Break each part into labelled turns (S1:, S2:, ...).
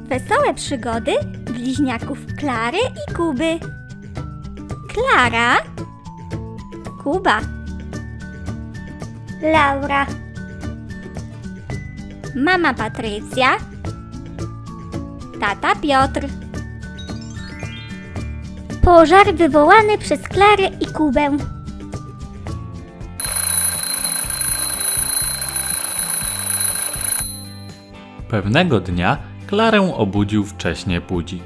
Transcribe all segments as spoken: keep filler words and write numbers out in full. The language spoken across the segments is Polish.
S1: Wesołe przygody bliźniaków Klary i Kuby. Klara, Kuba, Laura, mama Patrycja, tata Piotr. Pożar wywołany przez Klarę i Kubę.
S2: Pewnego dnia Klarę obudził wcześnie budzik.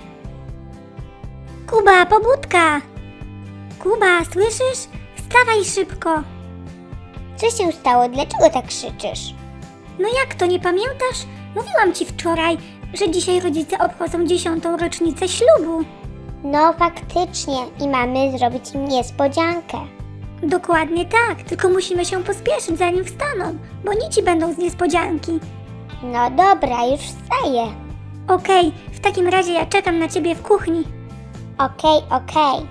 S1: Kuba, pobudka! Kuba, słyszysz? Wstawaj szybko!
S3: Co się stało? Dlaczego tak krzyczysz?
S1: No jak to, nie pamiętasz? Mówiłam ci wczoraj, że dzisiaj rodzice obchodzą dziesiątą rocznicę ślubu.
S3: No faktycznie i mamy zrobić im niespodziankę.
S1: Dokładnie tak, tylko musimy się pospieszyć zanim wstaną, bo nici będą z niespodzianki.
S3: No dobra, już wstaję.
S1: Okej, w takim razie ja czekam na ciebie w kuchni.
S3: Okej, okej.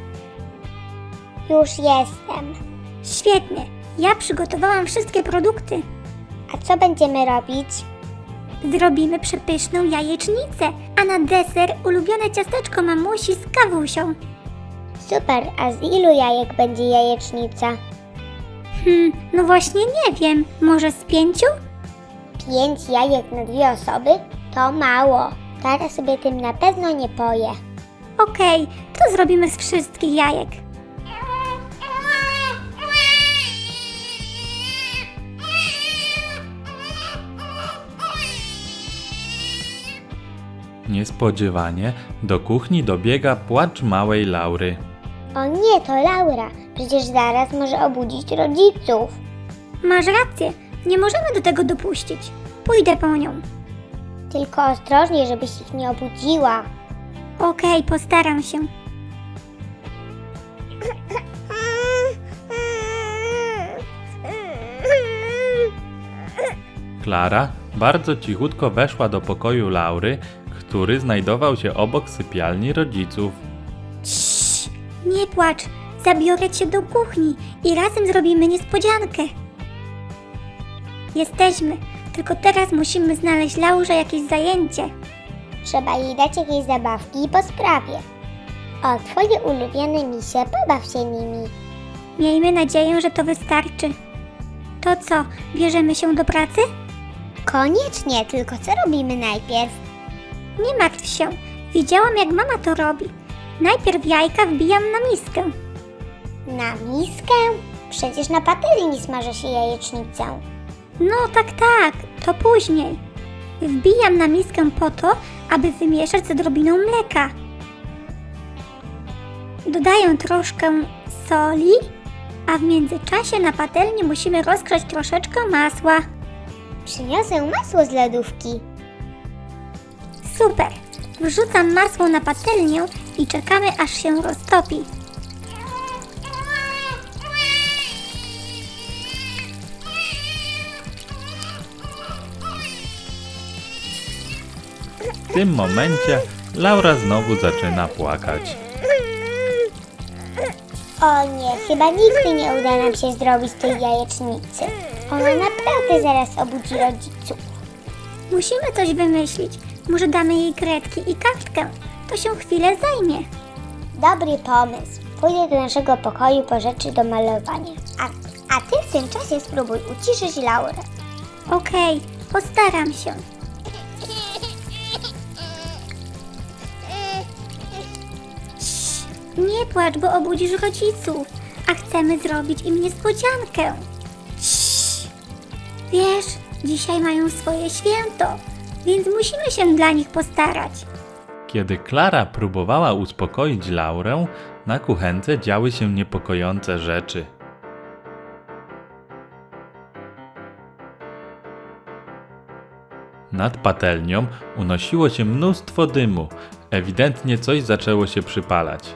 S3: Już jestem.
S1: Świetnie, ja przygotowałam wszystkie produkty.
S3: A co będziemy robić?
S1: Zrobimy przepyszną jajecznicę, a na deser ulubione ciasteczko mamusi z kawusią.
S3: Super, a z ilu jajek będzie jajecznica?
S1: Hmm, no właśnie nie wiem, może z pięciu?
S3: Pięć jajek na dwie osoby? To mało. Tara sobie tym na pewno nie poje.
S1: Okej, to zrobimy z wszystkich jajek.
S2: Niespodziewanie do kuchni dobiega płacz małej Laury.
S3: O nie, to Laura. Przecież zaraz może obudzić rodziców.
S1: Masz rację, nie możemy do tego dopuścić. Pójdę po nią.
S3: Tylko ostrożnie, żebyś ich nie obudziła.
S1: Okej, postaram się.
S2: Klara bardzo cichutko weszła do pokoju Laury, który znajdował się obok sypialni rodziców.
S1: Ciii, nie płacz, zabiorę cię do kuchni i razem zrobimy niespodziankę. Jesteśmy, tylko teraz musimy znaleźć Laurze jakieś zajęcie.
S3: Trzeba jej dać jakieś zabawki i po sprawie. O, twoje ulubione misie, pobaw się nimi.
S1: Miejmy nadzieję, że to wystarczy. To co, bierzemy się do pracy?
S3: Koniecznie, tylko co robimy najpierw?
S1: Nie martw się, widziałam jak mama to robi. Najpierw jajka wbijam na miskę.
S3: Na miskę? Przecież na patelni smaży się jajecznicę.
S1: No tak, tak, to później. Wbijam na miskę po to, aby wymieszać z odrobiną mleka. Dodaję troszkę soli, a w międzyczasie na patelni musimy rozgrzać troszeczkę masła.
S3: Przyniosę masło z lodówki.
S1: Super! Wrzucam masło na patelnię i czekamy, aż się roztopi.
S2: W tym momencie Laura znowu zaczyna płakać.
S3: O nie, chyba nigdy nie uda nam się zrobić tej jajecznicy. Ona naprawdę zaraz obudzi rodziców.
S1: Musimy coś wymyślić. Może damy jej kredki i kartkę. To się chwilę zajmie.
S3: Dobry pomysł. Pójdę do naszego pokoju po rzeczy do malowania. A, a ty w tym czasie spróbuj uciszyć Laurę.
S1: Okej, postaram się. Cii, nie płacz, bo obudzisz rodziców, a chcemy zrobić im niespodziankę. Cii. Wiesz, dzisiaj mają swoje święto, więc musimy się dla nich postarać.
S2: Kiedy Klara próbowała uspokoić Laurę, na kuchence działy się niepokojące rzeczy. Nad patelnią unosiło się mnóstwo dymu. Ewidentnie coś zaczęło się przypalać.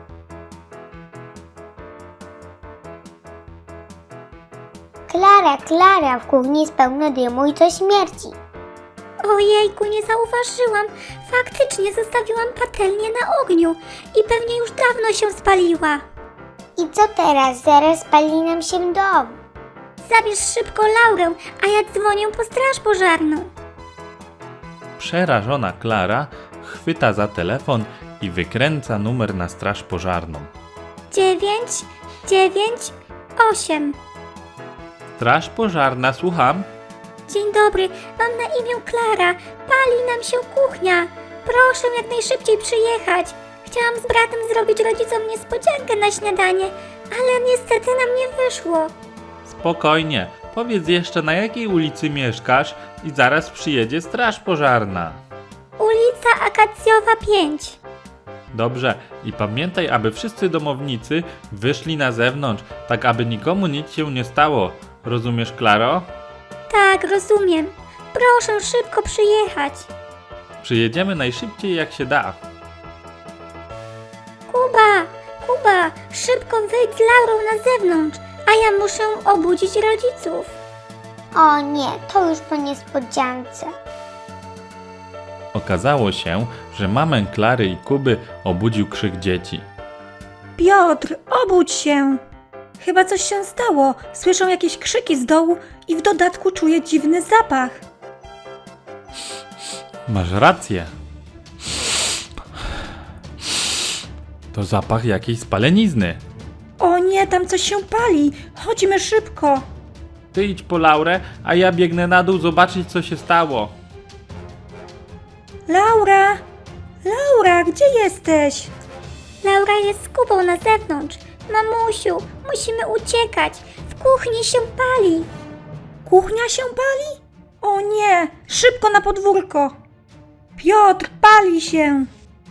S3: Klara, Klara, w kuchni jest pełno dymu i to śmierci.
S1: Ojejku, nie zauważyłam. Faktycznie zostawiłam patelnię na ogniu i pewnie już dawno się spaliła.
S3: I co teraz? Zaraz spali nam się dom.
S1: Zabierz szybko Laurę, a ja dzwonię po straż pożarną.
S2: Przerażona Klara chwyta za telefon i wykręca numer na straż pożarną.
S1: dziewięć, dziewięć, osiem.
S2: Straż pożarna, słucham.
S1: Dzień dobry, mam na imię Klara. Pali nam się kuchnia. Proszę jak najszybciej przyjechać. Chciałam z bratem zrobić rodzicom niespodziankę na śniadanie, ale niestety nam nie wyszło.
S2: Spokojnie, powiedz jeszcze na jakiej ulicy mieszkasz i zaraz przyjedzie straż pożarna.
S1: Ulica Akacjowa pięć.
S2: Dobrze, i pamiętaj, aby wszyscy domownicy wyszli na zewnątrz, tak aby nikomu nic się nie stało. Rozumiesz, Klaro?
S1: Tak, rozumiem. Proszę szybko przyjechać.
S2: Przyjedziemy najszybciej jak się da.
S1: Kuba, Kuba, szybko wyjdź z Laurą na zewnątrz, a ja muszę obudzić rodziców.
S3: O nie, to już po niespodziance.
S2: Okazało się, że mamę Klary i Kuby obudził krzyk dzieci.
S4: Piotr, obudź się! Chyba coś się stało. Słyszę jakieś krzyki z dołu i w dodatku czuję dziwny zapach.
S2: Masz rację. To zapach jakiejś spalenizny.
S4: O nie, tam coś się pali. Chodźmy szybko.
S2: Ty idź po Laurę, a ja biegnę na dół zobaczyć, co się stało.
S4: Laura! Laura, gdzie jesteś?
S1: Laura jest z Kubą na zewnątrz. Mamusiu, musimy uciekać. W kuchni się pali.
S4: Kuchnia się pali? O nie, szybko na podwórko. Piotr, pali się.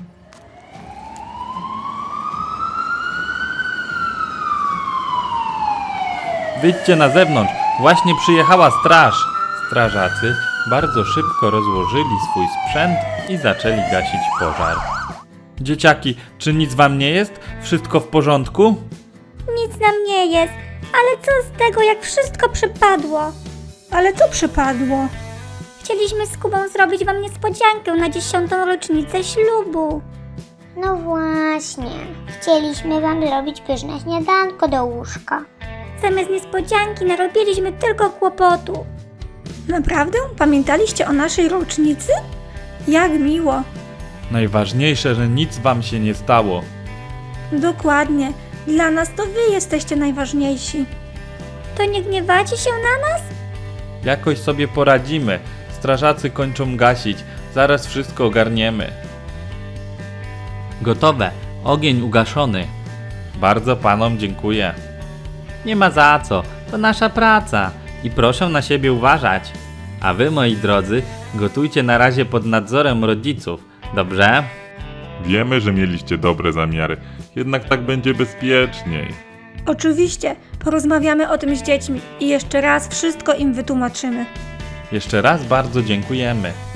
S2: Wyjdźcie na zewnątrz, właśnie przyjechała straż. Strażacy bardzo szybko rozłożyli swój sprzęt i zaczęli gasić pożar. Dzieciaki, czy nic wam nie jest? Wszystko w porządku?
S1: Nic nam nie jest, ale co z tego, jak wszystko przypadło?
S4: Ale co przypadło?
S1: Chcieliśmy z Kubą zrobić wam niespodziankę na dziesiątą rocznicę ślubu.
S3: No właśnie, chcieliśmy wam zrobić pyszne śniadanko do łóżka.
S1: Zamiast niespodzianki narobiliśmy tylko kłopotu.
S4: Naprawdę? Pamiętaliście o naszej rocznicy? Jak miło.
S2: Najważniejsze, że nic wam się nie stało.
S4: Dokładnie. Dla nas to wy jesteście najważniejsi.
S1: To nie gniewacie się na nas?
S2: Jakoś sobie poradzimy. Strażacy kończą gasić. Zaraz wszystko ogarniemy. Gotowe. Ogień ugaszony. Bardzo panom dziękuję. Nie ma za co. To nasza praca. I proszę na siebie uważać. A wy, moi drodzy, gotujcie na razie pod nadzorem rodziców. Dobrze?
S5: Wiemy, że mieliście dobre zamiary, jednak tak będzie bezpieczniej.
S4: Oczywiście, porozmawiamy o tym z dziećmi i jeszcze raz wszystko im wytłumaczymy.
S2: Jeszcze raz bardzo dziękujemy.